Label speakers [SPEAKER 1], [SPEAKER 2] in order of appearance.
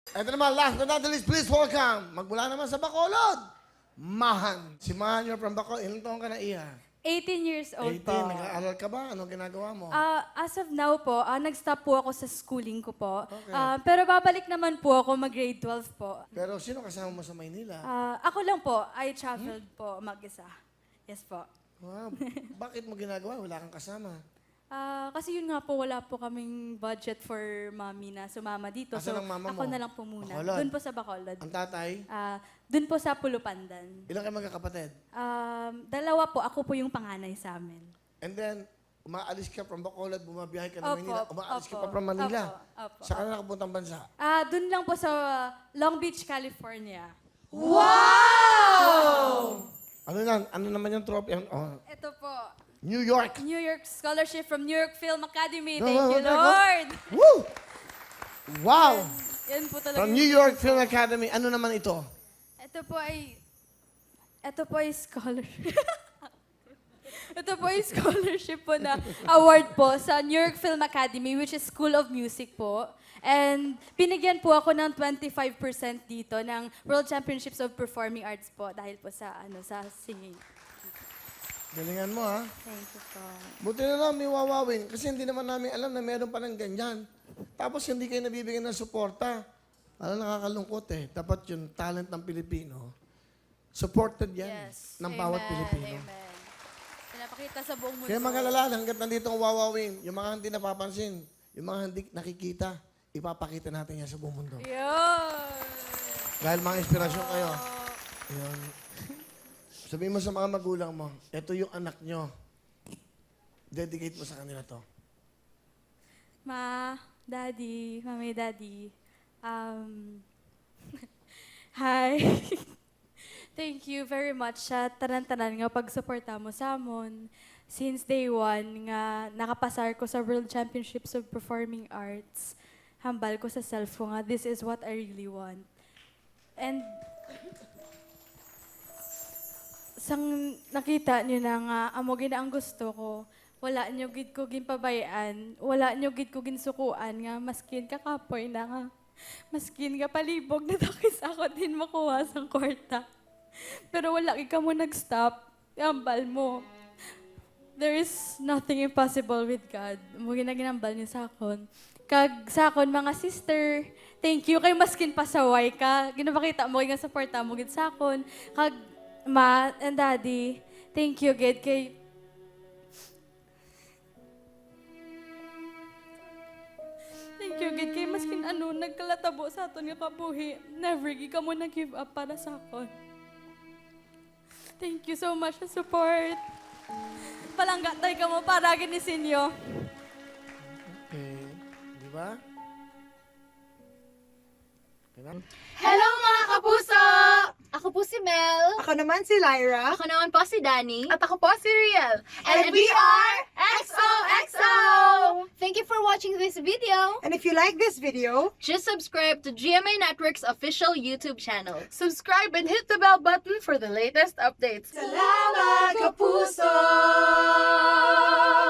[SPEAKER 1] Ito naman, last but not the least, please welcome, magmula naman sa Bacolod, Mahan. Si Mahan, you're from Bacolod. Ilang taon ka na, Iha?
[SPEAKER 2] 18 years old
[SPEAKER 1] 18.
[SPEAKER 2] po.
[SPEAKER 1] Nag-aaral ka ba? Anong ginagawa mo?
[SPEAKER 2] As of now po, nag-stop po ako sa schooling ko po.
[SPEAKER 1] Okay.
[SPEAKER 2] Pero babalik naman po ako mag-grade 12 po.
[SPEAKER 1] Pero sino kasama mo sa Maynila?
[SPEAKER 2] Ako lang po, I traveled po mag-isa. Yes po.
[SPEAKER 1] Wow. Bakit mo ginagawa? Wala kang kasama.
[SPEAKER 2] Kasi yun nga po, wala po kaming budget for mommy na sumama dito.
[SPEAKER 1] Asan ang mama
[SPEAKER 2] ako
[SPEAKER 1] mo?
[SPEAKER 2] na lang po muna.
[SPEAKER 1] Bacolod.
[SPEAKER 2] Doon po sa Bacolod.
[SPEAKER 1] Ang tatay?
[SPEAKER 2] Doon po sa Pulupandan.
[SPEAKER 1] Ilang kayo magkakapatid?
[SPEAKER 2] Dalawa po, ako po yung panganay sa amin.
[SPEAKER 1] And then, umaalis ka from Bacolod, bumabiyahe ka ng
[SPEAKER 2] Opo,
[SPEAKER 1] Manila. Umaalis ka
[SPEAKER 2] opo,
[SPEAKER 1] pa from Manila.
[SPEAKER 2] opo.
[SPEAKER 1] Saan ka na nakapuntang bansa?
[SPEAKER 2] Doon lang po sa Long Beach, California.
[SPEAKER 1] Ano yan? Ano naman yung trophy? Oh,
[SPEAKER 2] Ito po,
[SPEAKER 1] New York.
[SPEAKER 2] New York Scholarship from New York Film Academy.
[SPEAKER 1] Go,
[SPEAKER 2] Thank
[SPEAKER 1] go,
[SPEAKER 2] you,
[SPEAKER 1] go, go.
[SPEAKER 2] Lord!
[SPEAKER 1] Woo! Wow!
[SPEAKER 2] Yan po talaga.
[SPEAKER 1] From New York Film Academy, ano naman ito?
[SPEAKER 2] Ito po ay scholarship. Ito po ay scholarship po na award po sa New York Film Academy, which is School of Music po. And binigyan po ako ng 25% dito ng World Championships of Performing Arts po dahil po sa sa singing.
[SPEAKER 1] Galingan mo, ha?
[SPEAKER 2] Thank you po.
[SPEAKER 1] Buti na lang may wawawin kasi hindi naman namin alam na meron pa ng ganyan. Tapos hindi kayo nabibigyan ng suporta. Alam, nakakalungkot eh. Dapat yung talent ng Pilipino, supported yan
[SPEAKER 2] Yes.
[SPEAKER 1] ng bawat Pilipino.
[SPEAKER 2] Amen. Pinapakita sa buong mundo.
[SPEAKER 1] Kaya mga lalala, hanggat nandito ang wawawin, yung mga hindi napapansin, yung mga hindi nakikita, ipapakita natin yan sa buong mundo.
[SPEAKER 2] Yun.
[SPEAKER 1] Dahil mga inspirasyon kayo. Yun. Sabihin mo sa mga magulang mo, ito yung anak nyo. Dedicate mo sa kanila to.
[SPEAKER 2] Ma, Daddy, Mami, Daddy. Hi. Thank you very much sa tanan-tanan nga pagsuporta mo sa amon. Since day one nga nakapasar ko sa World Championships of Performing Arts, hambal ko sa self ko nga, this is what I really want. And sang nakita niyo na nga, amo gina ang gusto ko, wala niyo gid ko ginpabayaan, wala niyo gid ko ginsukuan nga, maskin ka kapoy na nga, maskin ka palibog na takis ako din makuha sang kwarta. Pero wala ka mo nag-stop, ambal mo. There is nothing impossible with God. Mo ginaginambal niyo sa akon. Kag sa akon mga sister, thank you kay maskin pasaway ka. Ginapakita mo nga suporta mo gid sa akon. Kag Ma and Daddy, thank you gid kay maskin nagkalatabo sa aton nga kabuhi. Never gi ka mo nag-give up para sa akon. Thank you so much sa support. Palanggatay ka mo para ginisin niyo.
[SPEAKER 1] Okay. Di ba? Okay na?
[SPEAKER 3] Hello mga kapuso! Ako po si Mel.
[SPEAKER 4] Ako naman si Lyra.
[SPEAKER 3] Ako naman po si Danny.
[SPEAKER 4] At ako po si Riel.
[SPEAKER 3] And we are XOXO! Thank you for watching this video.
[SPEAKER 4] And if you like this video,
[SPEAKER 3] Just subscribe to GMA Network's official YouTube channel.
[SPEAKER 4] subscribe and hit the bell button for the latest updates. Salamat, Kapuso!